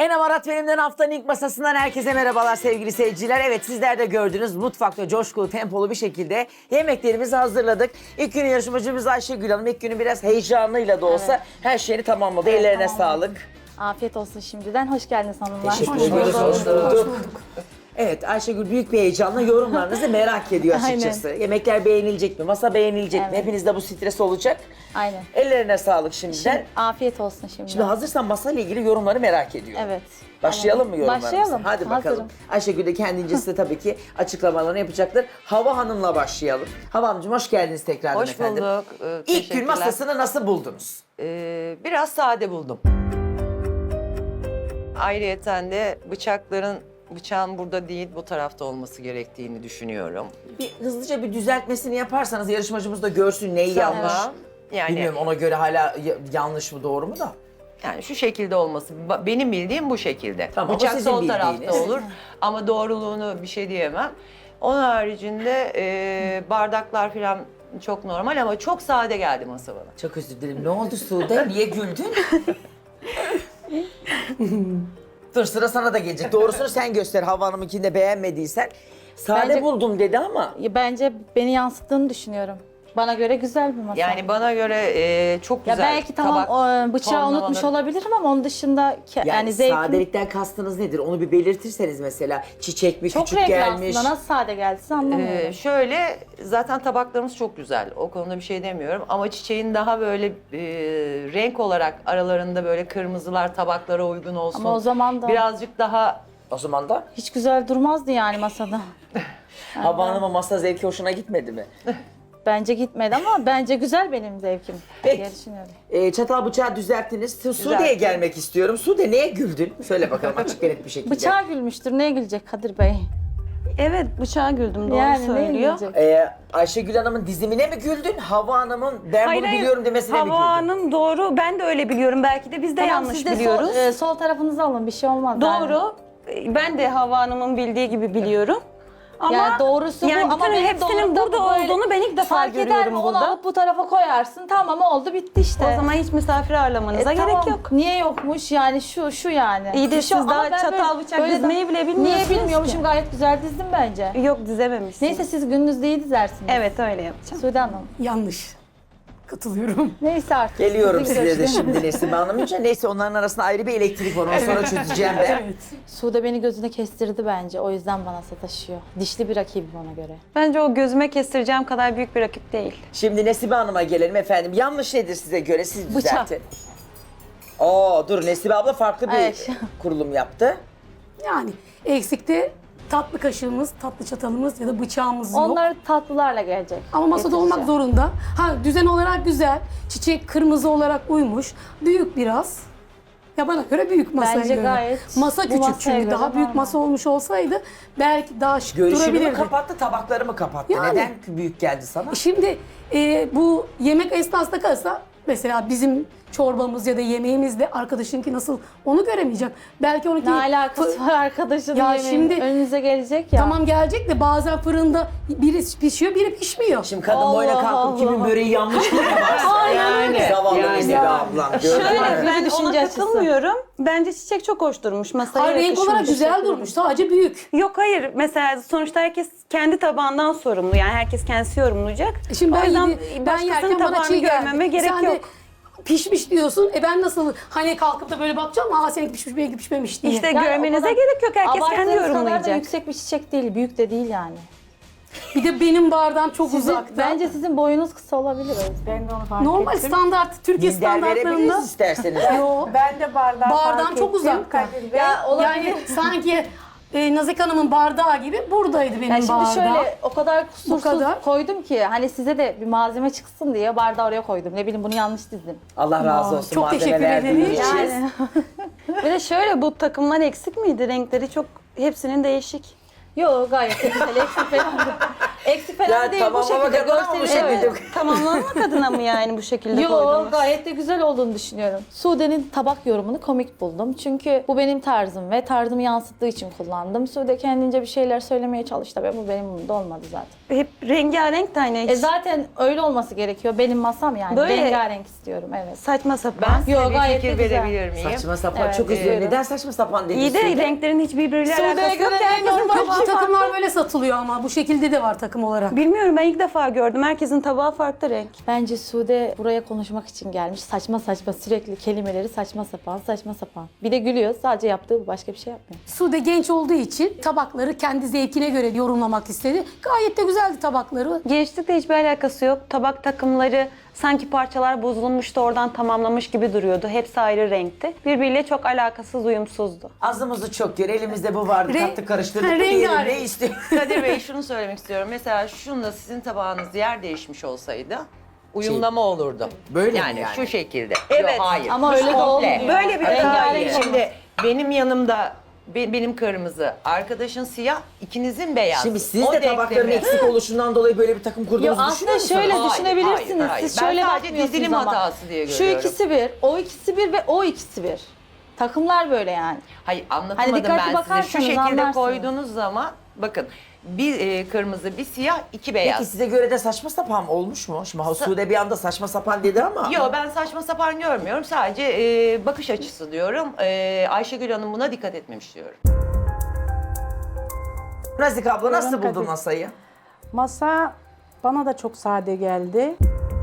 Enem Arat Benim'den haftanın ilk masasından herkese merhabalar sevgili seyirciler. Evet sizler de gördünüz mutfakta coşkulu, tempolu bir şekilde yemeklerimizi hazırladık. İlk günün yarışmacımız Ayşegül Hanım ilk günü biraz heyecanlıyla da olsa her şeyini tamamladı. Ellerine sağlık. Afiyet olsun şimdiden. Hoş geldiniz hanımlar. Teşekkür ediyoruz. Hoş bulduk. Evet Ayşegül büyük bir heyecanla yorumlarınızı merak ediyor açıkçası. Yemekler beğenilecek mi? Masa beğenilecek mi? Evet. Hepinizde bu stres olacak. Aynen. Ellerine sağlık şimdiden. Afiyet olsun şimdiden. Şimdi hazırsan masayla ilgili yorumları merak ediyorum. Evet. Başlayalım mı yorumlarımıza? Başlayalım. Hadi bakalım. Hazırım. Ayşegül de kendince size tabii ki açıklamalarını yapacaktır. Hava Hanım'la başlayalım. Hava Hanımcığım hoş geldiniz tekrardan Hoş efendim. bulduk. İlk gün Teşekkürler. masasını nasıl buldunuz? Biraz sade buldum. Ayrıyeten de bıçağın burada değil bu tarafta olması gerektiğini düşünüyorum. Hızlıca bir düzeltmesini yaparsanız yarışmacımız da görsün neyi yanlış. Yani Bilmiyorum ona göre hala yanlış mı doğru mu da. yani şu şekilde olması benim bildiğim bu şekilde. Tamam, o Bıçak sizin sol bildiğiniz. tarafta olur ama doğruluğunu bir şey diyemem. Onun haricinde bardaklar falan çok normal ama çok sade geldi masa bana. Çok özür dilerim. Ne oldu Sude? Niye güldün? Dur sıra sana da gelecek. Doğrusunu sen göster. Hava Hanım'ınkini de beğenmediysen. Sade Bence- buldum dedi ama. Bence beni yansıttığını düşünüyorum. Bana göre güzel bir masa. Yani bana göre çok ya güzel. belki tamam bıçağı tonlamaları- unutmuş olabilirim ama onun dışında Yani zevkim sadelikten kastınız nedir? Onu bir belirtirseniz mesela. Çiçek mi çok küçük renkli gelmiş? aslında. Nasıl sade geldi siz anlamıyorum. Şöyle zaten tabaklarımız çok güzel. O konuda bir şey demiyorum. Ama çiçeğin daha böyle renk olarak aralarında böyle kırmızılar tabaklara uygun olsun. Ama o zaman da birazcık daha O zaman da hiç güzel durmazdı yani masada. Hava Hanım'ın masa zevki hoşuna gitmedi mi? Bence gitmedi ama bence güzel benim zevkim Peki. diye düşünüyorum. Çatal bıçağı düzelttiniz. Sude'ye gelmek istiyorum. Sude neye güldün? Söyle bakalım açık ve net bir şekilde. Bıçağa gülmüştür. Neye gülecek Kadir Bey? Evet bıçağa güldüm doğru Yani neye söylüyor. gülecek? Ayşegül Hanım'ın dizimine mi güldün? Hava Hanım'ın ben bunu biliyorum demesine mi güldün? Hava Hanım doğru ben de öyle biliyorum belki de biz de Tamam, yanlış siz de biliyoruz. sol tarafınızı alın bir şey olmaz. Yani. Doğru ben de Hava Hanım'ın bildiği gibi biliyorum. Ama Yani doğrusu yani bu ama bütün benim hepsinin doğrum da burada bu böyle. olduğunu ben ilk defa Fark eder görüyorum mi? Onu burada. alıp bu tarafa koyarsın. Tamam oldu bitti işte. O zaman hiç misafir ağırlamanıza gerek Tamam. yok. Niye yokmuş yani şu yani. İyi de Bir şey- siz ama daha ben çatal bıçak dizmeyi bile bilmiyorsunuz Niye bilmiyormuşum ki. gayet güzel dizdim bence. Yok dizememişsiniz. Neyse siz gününüzde iyi dizersiniz. Evet öyle yapacağım. Sude Hanım. Yanlış. Katılıyorum. Neyse artık. Geliyorum Sizin size de görüşünüz. şimdi Nesibe Hanım'ınca. Neyse onların arasında ayrı bir elektrik var. Onu sonra çözeceğim ben. Evet. Sude beni gözüne kestirdi bence. O yüzden bana sataşıyor. Dişli bir rakibim ona göre. Bence o gözüme kestireceğim kadar büyük bir rakip değil. Şimdi Nesibe Hanım'a gelelim efendim. Yanlış nedir size göre? Siz Bıçak. düzeltin. Dur Nesibe abla farklı bir Evet. kurulum yaptı. Yani eksikte tatlı kaşığımız, tatlı çatalımız ya da bıçağımız yok. Onlar tatlılarla gelecek. Ama masada olmak Getireceğim. zorunda. Ha düzen olarak güzel. Çiçek kırmızı olarak uymuş. Büyük biraz. Ya bana göre büyük masaya Bence göre. gayet Masa bu küçük masaya çünkü göre daha büyük normal. masa olmuş olsaydı belki daha şık Görüşümü mü durabilirdi. kapattı, tabakları mı kapattı? Yani. Neden büyük geldi sana? Şimdi bu yemek esnasında kalsa mesela bizim çorbamız ya da yemeğimizle arkadaşınki nasıl onu göremeyeceğim. Belki onunki Ne alakası var arkadaşın Ya yemeği? şimdi- Önünüze gelecek ya. Tamam gelecek de bazen fırında biri pişiyor biri pişmiyor. Şimdi kadın Allah boyuna kalkıp Allah. kimin böreği yanlış değil mi varsa? Yani. Zavallı Yani. Nesibe ablam. Gördün mü? Şöyle ben ona düşünce açısı. katılmıyorum. Bence çiçek çok hoş durmuş. Masaya Hayır, renk yakışmış. olarak güzel durmuş. Sadece büyük. Yok hayır. Mesela sonuçta herkes kendi tabağından sorumlu. Yani herkes kendisi yorumlayacak. Şimdi o ben, yüzden ben başkasının yerken bana tabağını çiğ geldi. görmeme gerek Sen de yok. pişmiş diyorsun. Ben nasıl hani kalkıp da böyle bakacağım ama seninki pişmiş benimki pişmemiş diye. İşte Yani görmenize o kadar gerek yok. Herkes kendi abarttığınız kadar da yorumlayacak. yüksek bir çiçek değil, büyük de değil yani. Bir de benim bardağım çok uzakta. Bence sizin boyunuz kısa olabilir. Ben de onu fark normal ettim. standart Türkiye Minder standartlarında. verebiliriz isterseniz. Yo. Ben de bardağı Bardağım fark çok ettim, uzakta. Kadir Bey. Ya olabilir. Yani sanki Nazik Hanım'ın bardağı gibi buradaydı benim Ya şimdi bardağım. şöyle o kadar kusursuz kadar. koydum ki hani size de bir malzeme çıksın diye bardağı oraya koydum. Ne bileyim bunu yanlış dizdim. Allah razı olsun çok malzeme teşekkür verdiğiniz ederim. için. Yani Bir de şöyle bu takımlar eksik miydi? Renkleri çok hepsinin değişik. yo gayet de güzel eksik falan. Eksik falan Ya değil tamam bu ama şekilde. kadın ama bu Görseli şekilde. evet. Tamamlamak adına mı yani bu şekilde Yo koydunuz? gayet de güzel olduğunu düşünüyorum. Sude'nin tabak yorumunu komik buldum. Çünkü bu benim tarzım ve tarzımı yansıttığı için kullandım. Sude kendince bir şeyler söylemeye çalıştı ve bu benim umurumda olmadı zaten. Hep rengarenk de hani Zaten öyle olması gerekiyor. Benim masam yani. Böyle- Rengarenk istiyorum evet. saçma sapan. Ben size Yo, bir gayet de fikir güzel. verebilir miyim? Saçma sapan Evet, çok üzüldüm. biliyorum. Neden saçma sapan dedin? İyi de Sude? renklerin hiç birbiriyle Sude'ye alakası yok. göre ki. Herkesin normal. tabağı farklı. Takımlar böyle satılıyor ama bu şekilde de var takım olarak. Bilmiyorum, ben ilk defa gördüm. Herkesin tabağı farklı renk. Bence Sude buraya konuşmak için gelmiş. Saçma saçma sürekli kelimeleri saçma sapan saçma sapan. Bir de gülüyor. Sadece yaptığı bu, başka bir şey yapmıyor. Sude genç olduğu için tabakları kendi zevkine göre yorumlamak istedi. Gayet de güzeldi tabakları. Gençlikle hiçbir alakası yok. Tabak takımları sanki parçalar bozulmuş da oradan tamamlamış gibi duruyordu. Hepsi ayrı renkti. Birbiriyle çok alakasız, uyumsuzdu. Azımızı çok gör. Elimizde bu vardı. Renk- Kattık karıştırdık. Ha, Bir yerim rengarenk. ne istiyor? Kadir Bey şunu söylemek istiyorum. Mesela şunla sizin tabağınız yer değişmiş olsaydı uyumlama olurdu. Böyle mi yani? yani? Şu şekilde. Evet. Yok, hayır. Ama öyle de Komple. olmuyor. Böyle bir Rengarenk detay. Şimdi benim yanımda benim kırmızı, arkadaşın siyah, ikinizin beyaz. Şimdi siz O de tabakların denklemi- eksik oluşundan dolayı böyle bir takım Yo, kurduğunuzu düşünüyor aslında musunuz? şöyle Hayır, düşünebilirsiniz. hayır, hayır. Siz Ben şöyle sadece bakmıyorsunuz dizilim ama. hatası diye Şu görüyorum. ikisi bir, o ikisi bir ve o ikisi bir. Takımlar böyle yani. Hayır anlatamadım Hani dikkatli ben size. Şu bakarsanız şekilde anlarsınız. koyduğunuz zaman bakın bir kırmızı, bir siyah, iki beyaz. Peki size göre de saçma sapan olmuş mu? Şimdi Sude bir anda saçma sapan dedi ama. Yok ben saçma sapan görmüyorum. Sadece bakış açısı diyorum. Ayşegül Hanım buna dikkat etmemiş diyorum. Nazik abla nasıl Buyurun buldun Kadir. masayı? Masa bana da çok sade geldi.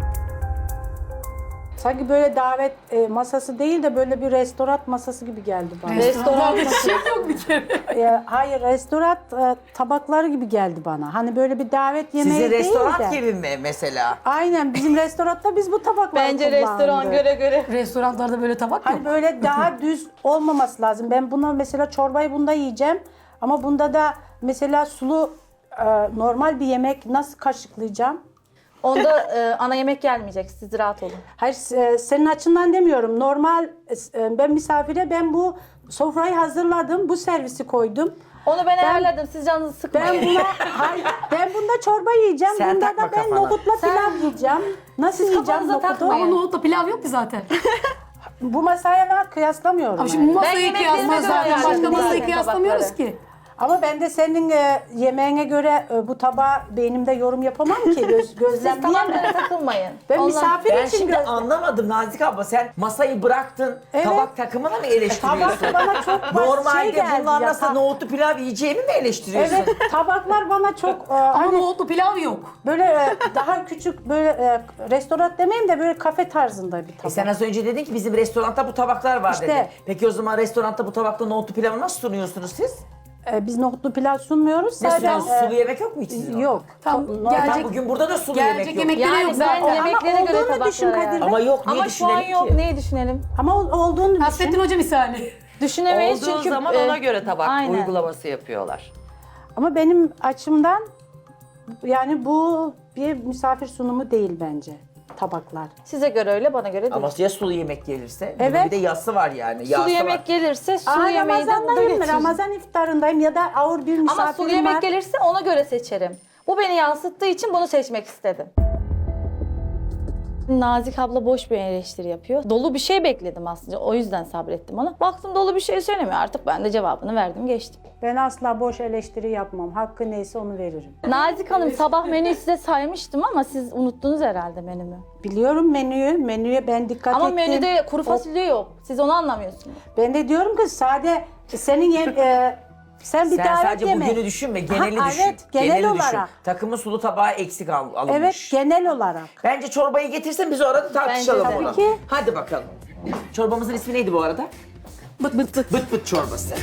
Sanki böyle davet masası değil de böyle bir restoran masası gibi geldi bana. Restoranlarda çiçek yok bir kere. Hayır, restoran tabakları gibi geldi bana. Hani böyle bir davet yemeği Sizin değil restoran de. gibi mi mesela? Aynen, bizim restoranda biz bu tabakları Bence kullandık. restoran göre. Restoranlarda böyle tabak yok. Hani böyle daha düz olmaması lazım. Ben buna mesela çorbayı bunda yiyeceğim. Ama bunda da mesela sulu normal bir yemek nasıl kaşıklayacağım? Onda ana yemek gelmeyecek. Siz rahat olun. Hayır, senin açından demiyorum. Normal ben misafire bu sofrayı hazırladım. Bu servisi koydum. Onu ben ayarladım. Siz canınızı sıkmayın. Ben bunda çorba yiyeceğim. Sen bunda takma da ben kafana. nohutla pilav yiyeceğim. Nasıl yiyeceğim kafanıza nohutu? takmayın. Ama nohutla pilav yok ki zaten. Bu masaya ben kıyaslamıyorum. Ama yani. şimdi masayı yemeklerime kıyaslamıyoruz göre zaten. Başka ayarladım masayı zaten kıyaslamıyoruz tabakları. ki. Ama ben de senin yemeğine göre bu tabağı beynimde yorum yapamam ki. Siz Gözlemleyemem. tabaklara takılmayın. Ben Onlar- misafir Ben için şimdi gözlem. anlamadım Nazik abla. Sen masayı bıraktın. Evet. Tabak takımını mı eleştiriyorsun? Tabak bana çok Normalde şey geldi bunlar ya. nasıl nohutlu pilav yiyeceğimi mi eleştiriyorsun? Evet, tabaklar bana çok Ama hani nohutlu pilav yok. böyle daha küçük böyle restoran demeyeyim de böyle kafe tarzında bir tabak. Sen az önce dedin ki bizim restoranda bu tabaklar var İşte. dedin. Peki o zaman restoranda bu tabakta nohutlu pilavı nasıl sunuyorsunuz siz? Biz nohutlu pilav sunmuyoruz. Ne Sadece sunuyorsunuz? Sulu yemek yok mu hiç sizin orada? yok. Tam Normal- gelecek- Bugün burada da sulu yemek Gelecek yok. yemeklere yok Yani ben zaten. yemeklere Ama göre olduğunu tabaklara düşün Kadir ayarladım. Bey. Ama yok niye Ama şu an düşünelim yok. ki? Neyi düşünelim? Ama olduğunu düşün. Hasrettin Hoca misali. Düşünemeyiz Olduğu çünkü... zaman ona göre tabak aynen. uygulaması yapıyorlar. Ama benim açımdan yani bu bir misafir sunumu değil bence tabaklar. Size göre öyle, bana göre değil. Ama ya sulu yemek gelirse? Bunun Evet. bir de yası var yani. Sulu yası yemek var. gelirse sulu yemeği de burada Ramazan'dayım, getiririz. Ramazan iftarındayım ya da ağır bir misafirim Ama sulu yemek var. gelirse ona göre seçerim. Bu beni yansıttığı için bunu seçmek istedim. Nazik abla boş bir eleştiri yapıyor. Dolu bir şey bekledim aslında. O yüzden sabrettim ona. Baktım dolu bir şey söylemiyor. Artık ben de cevabını verdim, geçtim. Ben asla boş eleştiri yapmam. Hakkı neyse onu veririm. Nazik Hanım sabah menüyü size saymıştım ama siz unuttunuz herhalde menümü. Biliyorum menüyü. Menüye ben dikkat Ama ettim. menüde kuru fasulye yok. Siz onu anlamıyorsunuz. Ben de diyorum ki sade senin sen bir Sen davet sadece yeme. bugünü düşünme, geneli Ha, düşün. evet, genel Geneli olarak. Düşün. Takımın sulu tabağı eksik alınmış. Evet, genel olarak. Bence çorbayı getirsen biz o arada tartışalım Bence de. bunu. Peki. Hadi bakalım. Çorbamızın ismi neydi bu arada? Bıt bıt bıt. Bıt bıt çorbası.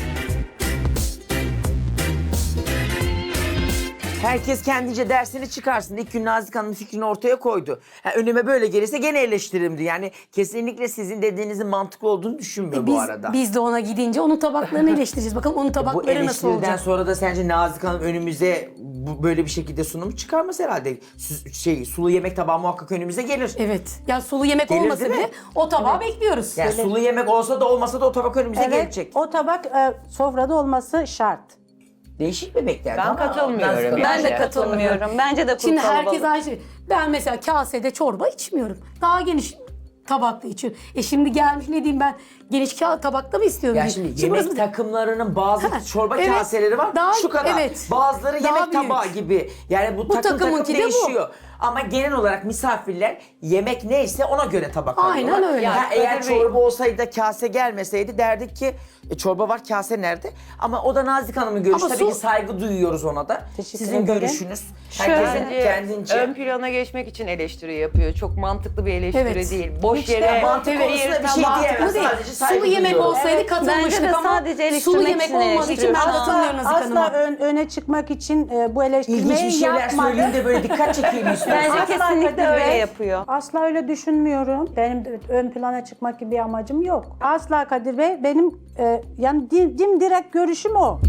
Herkes kendince dersini çıkarsın. İlk gün Nazik Hanım'ın fikrini ortaya koydu. Ha, önüme böyle gelirse gene eleştiririmdi. Yani kesinlikle sizin dediğinizin mantıklı olduğunu düşünmüyorum bu arada. Biz de ona gidince onun tabaklarını eleştireceğiz. Bakalım onun Bu tabakları nasıl eleştiriden olacak? sonra da sence Nazik Hanım önümüze böyle bir şekilde sunum çıkarmaz herhalde. Sulu yemek tabağı muhakkak önümüze gelir. Evet. Ya sulu yemek Gelir olmasa değil mi? bile o tabağı bekliyoruz. Yani sulu yemek olsa da olmasa da o tabak önümüze Evet, gelecek. o tabak sofrada olması şart. Değişik bir beklerdi Ben ama katılmıyorum Nazik Hanım- Ben de Yani. katılmıyorum. Bence de kuru Şimdi kalabalık. herkes aynı şey. Ben mesela kasede çorba içmiyorum. Daha geniş tabakta içiyorum. Şimdi gelmiş ne diyeyim ben geniş tabakta mı istiyorum? Ya diyeyim. şimdi yemek burası- takımlarının bazı Ha, çorba evet. kaseleri var. Daha- şu kadar. evet. Bazıları Daha yemek büyük. tabağı gibi. Yani bu takım takımınki de bu. değişiyor. Ama genel olarak misafirler yemek neyse ona göre tabak Aynen alıyorlar. öyle. Ha, Yani eğer Kadir Bey- çorba olsaydı da kase gelmeseydi derdik ki çorba var kase nerede? Ama o da Nazik Hanım'ın görüşü. Ama Tabii ki su- saygı duyuyoruz ona da. Teşekkür Sizin ederim. görüşünüz. Bence Herkesin kendince. ön plana geçmek için eleştiri yapıyor. Çok mantıklı bir eleştiri Evet. değil. Boş Hiç de yere mantık konusunda bir şey tabak- diyemez. Değil. Sadece saygı Sulu yemek duyuyorum. olsaydı Evet, katılmıştık bence de ama sadece sulu eleştirmek yemek için olmadığı için ben eleştiriyorum. katılmıyorum Nazik Asla Hanım'a. öne çıkmak için bu eleştirmeyi İlginç bir şeyler yapmadım. söyleyeyim de böyle dikkat çekeyim istiyorsun. Bence Asla kesinlikle Kadir öyle Bey, yapıyor. Asla öyle düşünmüyorum. Benim de ön plana çıkmak gibi bir amacım yok. Asla Kadir Bey, benim yani dimdirek görüşüm o.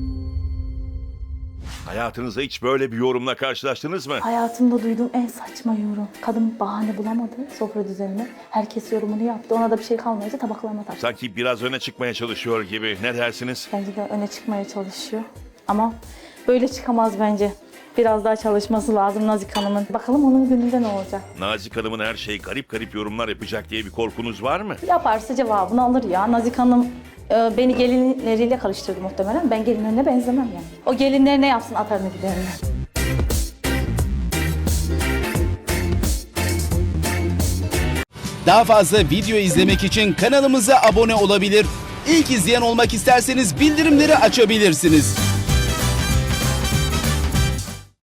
Hayatınızda hiç böyle bir yorumla karşılaştınız mı? Hayatımda duyduğum en saçma yorum. Kadın bahane bulamadı sofra düzenine. Herkes yorumunu yaptı. Ona da bir şey kalmayınca tabaklarına taktı. Sanki biraz öne çıkmaya çalışıyor gibi. Ne dersiniz? Bence de öne çıkmaya çalışıyor. Ama böyle çıkamaz bence. Biraz daha çalışması lazım Nazik Hanım'ın. Bakalım onun gününde ne olacak? Nazik Hanım'ın her şey garip garip yorumlar yapacak diye bir korkunuz var mı? Yaparsa cevabını alır ya. Nazik Hanım beni gelinleriyle karıştırdı muhtemelen. Ben gelinlerine benzemem yani. O gelinler ne yapsın atarını giderini. Daha fazla video izlemek için kanalımıza abone olabilir. İlk izleyen olmak isterseniz bildirimleri açabilirsiniz.